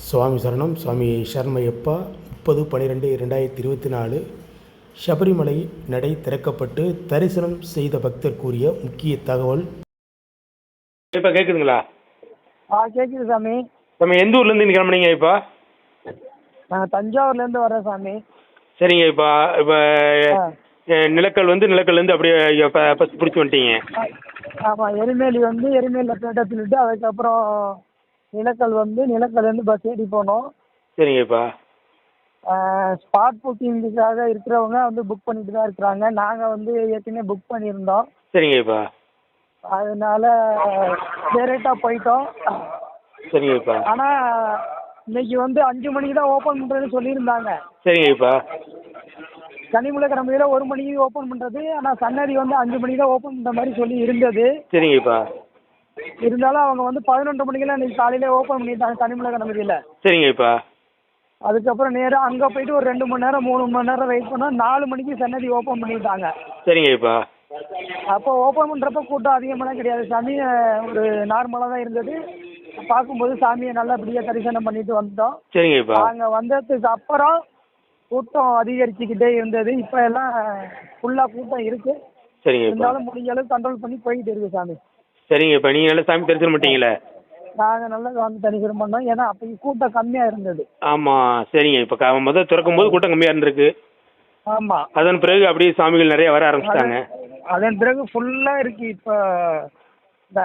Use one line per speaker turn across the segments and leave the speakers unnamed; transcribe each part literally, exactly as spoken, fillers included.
சுவாமி சரணம். சுவாமி சரணமையப்பா. முப்பது பன்னிரெண்டு ரெண்டாயிரத்தி இருபத்தி நாலு சபரிமலை நடை திறக்கப்பட்டு தரிசனம் செய்த பக்தர் கூறிய முக்கிய தகவல்.
இப்போ கேட்குதுங்களா?
ஆ கேட்குது சாமி.
நம்ம எந்த ஊர்லேருந்து நீங்கள் கிளம்புனீங்க? இப்போ
நான் தஞ்சாவூர்லேருந்து வரேன் சாமி.
சரிங்க. இப்போ இப்போ நிலக்கல் வந்து நிலக்கல்லேருந்து அப்படியே பஸ் பிடிச்சி வந்துட்டீங்க.
ஆமாம், எரிமேலி வந்து எரிமேலியில் பேட்டை சொல்லிட்டு அதுக்கப்புறம் நிலக்கல் வந்து நிலக்கல்லேருந்து பஸ் ஏறி போனோம்.
சரிங்கப்பா.
ஸ்பாட் புக்கிங்குக்காக இருக்கிறவங்க வந்து புக் பண்ணிட்டு தான் இருக்கிறாங்க. நாங்கள் வந்து ஏற்கனவே புக் பண்ணியிருந்தோம்.
சரிங்கப்பா.
அதனால டேரெக்டாக போயிட்டோம்.
சரிங்கப்பா.
ஆனால் இன்னைக்கு வந்து அஞ்சு மணிக்கு தான் ஓப்பன் பண்ணுறதுன்னு சொல்லியிருந்தாங்க.
சரிங்கப்பா.
கனிமலை கிளம்பியில் ஒரு மணிக்கு ஓப்பன் பண்ணுறது, ஆனால் சன்னதி வந்து அஞ்சு மணிக்கு தான் ஓப்பன் பண்ணுற மாதிரி சொல்லி இருந்தது.
சரிங்கப்பா.
இருந்தாலும் அவங்க வந்து பதினொன்று மணிக்கெல்லாம் இன்னைக்கு காலையிலே ஓப்பன் பண்ணிட்டாங்க கனிமலை கிளம்பியில்.
சரிங்கப்பா.
அதுக்கப்புறம் நேராக அங்கே போயிட்டு ஒரு ரெண்டு மணி நேரம் மூணு மணி நேரம் வெயிட் பண்ணோம். நாலு மணிக்கு சன்னதி ஓப்பன் பண்ணிட்டாங்க.
சரிங்கப்பா.
அப்போ ஓப்பன் பண்ணுறப்ப கூட்டம் அதிகமாகலாம் கிடையாது சாமி, ஒரு நார்மலாக தான் இருந்தது. பார்க்கும்போது சாமியை நல்லபடியாக தரிசனம் பண்ணிட்டு வந்துட்டோம்.
சரிங்கப்பா.
நாங்கள் வந்ததுக்கு அப்புறம் கூட்டம் அதிகரிச்சுக்கிட்டே இருந்தது. இப்போ எல்லாம் ஃபுல்லாக கூட்டம் இருக்கு.
சரிங்கப்பா.
இருந்தாலும் முடிஞ்ச அளவுக்கு கண்ட்ரோல் பண்ணி போயிட்டு இருக்கு சாமி.
சரிங்கப்பா. நீங்கள் நல்லா சாமி தரிசனம் பண்ணிட்டீங்களே?
நாங்கள் நல்லா வந்து தரிசனம் பண்ணோம். ஏன்னா அப்போ கூட்டம் கம்மியாக இருந்தது.
ஆமாம். சரிங்க. இப்போ முதல் திறக்கும் போது கூட்டம் கம்மியாக இருந்திருக்கு.
ஆமாம்.
அதன் பிறகு அப்படியே சாமிகள் நிறைய வர ஆரம்பிச்சிட்டாங்க.
அதன் பிறகு ஃபுல்லாக இருக்கு. இப்போ இந்த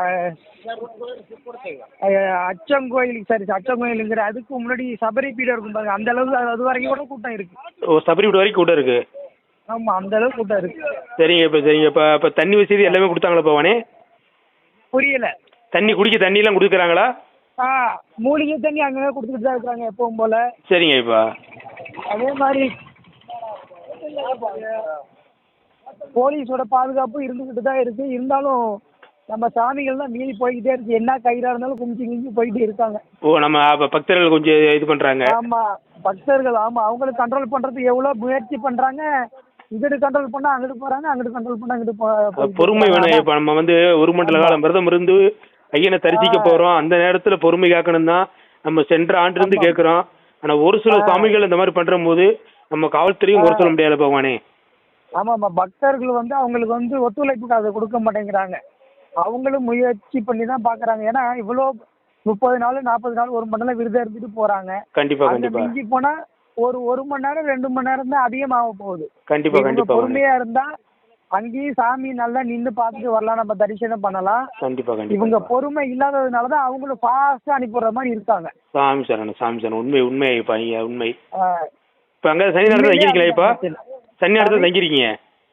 அச்சங்கோயிலுக்கு சரி அச்சங்கோயிலுங்கிற அதுக்கு முன்னாடி சபரி பீடம் இருக்கும் பாருங்க, அந்த அளவுக்கு அது வரைக்கும் கூட கூட்டம் இருக்கு.
ஓ, சபரி பீடம் வரைக்கும் கூட்டம் இருக்கு.
ஆமாம், அந்த அளவுக்கு கூட்டம் இருக்கு.
சரிங்க. இப்போ சரிங்க. இப்போ இப்போ தண்ணி வசதி எல்லாமே கொடுத்தாங்களா பவானே?
புரியல.
தண்ணி குடிக்க தண்ணியெல்லாம் கொடுக்குறாங்களா?
ஆ, மூலிகை தண்ணி அங்கங்கே கொடுத்துட்டு தான் இருக்கிறாங்க எப்பவும் போல.
சரிங்க. இப்போ
அதே மாதிரி போலீஸோட பாதுகாப்பு இருந்துக்கிட்டு தான் இருக்கு. இருந்தாலும் நம்ம சாமிகள் தான் மீறி போய்கிட்டே இருக்கு. என்ன கயிறாக இருந்தாலும் குமிச்சு குமிச்சு போயிட்டு இருக்காங்க.
ஓ, நம்ம அப்போ பக்தர்கள் கொஞ்சம் இது பண்ணுறாங்க.
ஆமாம், பக்தர்கள். ஆமாம், அவங்களுக்கு கண்ட்ரோல் பண்ணுறதுக்கு எவ்வளோ முயற்சி பண்ணுறாங்க. இங்கிட்டு கண்ட்ரோல் பண்ணால் அங்கிட்டு போகிறாங்க, அங்கிட்டு கண்ட்ரோல் பண்ணால் அங்கிட்டு போ.
பொறுமை வேணும். இப்போ நம்ம வந்து ஒரு மண்டல காலம் விரதம் இருந்து ஐயனை தரிசிக்க போகிறோம். அந்த நேரத்தில் பொறுமை காக்கணும் தான் நம்ம சென்ற ஆண்டிலிருந்து கேட்குறோம். ஆனால் ஒரு சில சாமிகள் இந்த மாதிரி பண்ணுற போது நம்ம காவல்துறையும் ஒரு சொல்ல முடியாது பகவானே.
ஆமாம்மா, பக்தர்கள் வந்து அவங்களுக்கு வந்து ஒத்துழைப்புக்கு அதை கொடுக்க மாட்டேங்கிறாங்க. அவங்களும் முயற்சி பண்ணி தான் பார்க்குறாங்க. ஏன்னா இவ்வளோ முப்பது நாள் நாற்பது நாள் ஒரு மண்டலம் விரதம் இருந்துட்டு போகிறாங்க.
கண்டிப்பாக கண்டிப்பாக.
மிஞ்சி போனால் ஒரு ஒரு மணி நேரம் ரெண்டு மணி நேரம் தான் அதிகமாக போகுது.
கண்டிப்பாக கண்டிப்பாக.
பொறுமையாக இருந்தால் அங்கேயும் சாமி நல்லா நின்று பார்த்துட்டு வரலாம், நம்ம தரிசனம் பண்ணலாம்.
கண்டிப்பாக கண்டிப்பாக.
இவங்க பொறுமை இல்லாததுனால தான் அவங்களும் ஃபாஸ்ட்டாக அனுப்பிடுற மாதிரி இருக்காங்க.
சாமி சரணம் சாமி சரணம். உண்மை உண்மை இப்போ உண்மை. இப்போ அங்கே சனி நேரத்தில் தங்கிருக்கீங்களா? இப்போ சனி நேரத்தில் தங்கிருக்கீங்க?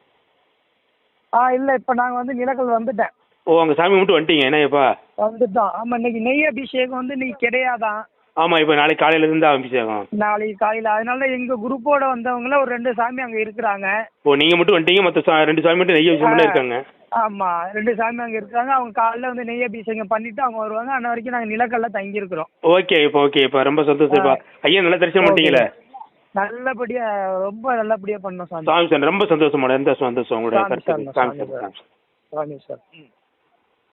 ஆ இல்லை, இப்போ நாங்கள் வந்து நிலக்கல் வந்துட்டேன்.
ஓ, அங்கே சாமி மட்டும் வந்துட்டீங்க? என்ன இப்போ
வந்துட்டோம். ஆமாம், இன்னைக்கு நெய் அபிஷேகம் வந்து இன்னைக்கு கிடையாதான்.
ஆமாம், இப்போ நாளைக்கு காலையிலேருந்து அபிஷேகம்.
நாளைக்கு காலையில். அதனால எங்கள் குரூப்போட வந்தவங்கள ஒரு ரெண்டு சாமி அங்கே இருக்கிறாங்க.
ஓ, நீங்கள் மட்டும் வந்துட்டீங்க, மற்ற ரெண்டு சாமி மட்டும் நெய் அபிஷேகம் இருக்காங்க.
ஆமாம், ரெண்டு சாமி அங்கே இருக்காங்க. அவங்க காலையில் வந்து நெய் அபிஷேகம் பண்ணிவிட்டு அவங்க வருவாங்க. அன்ன வரைக்கும் நாங்கள் நிலக்கல்ல தங்கியிருக்கிறோம்.
ஓகே. இப்போ ஓகே. இப்போ ரொம்ப சந்தோஷம்ப்பா. ஐயா நல்லா தரிசனம் பண்ணிட்டீங்களே?
நல்லபடியாக, ரொம்ப நல்லபடியாக பண்ணோம் சாமி.
சாமி சார் ரொம்ப சந்தோஷமான. எந்த சந்தோஷம் உங்களுடைய.
சாமி சார். சாமி சார்.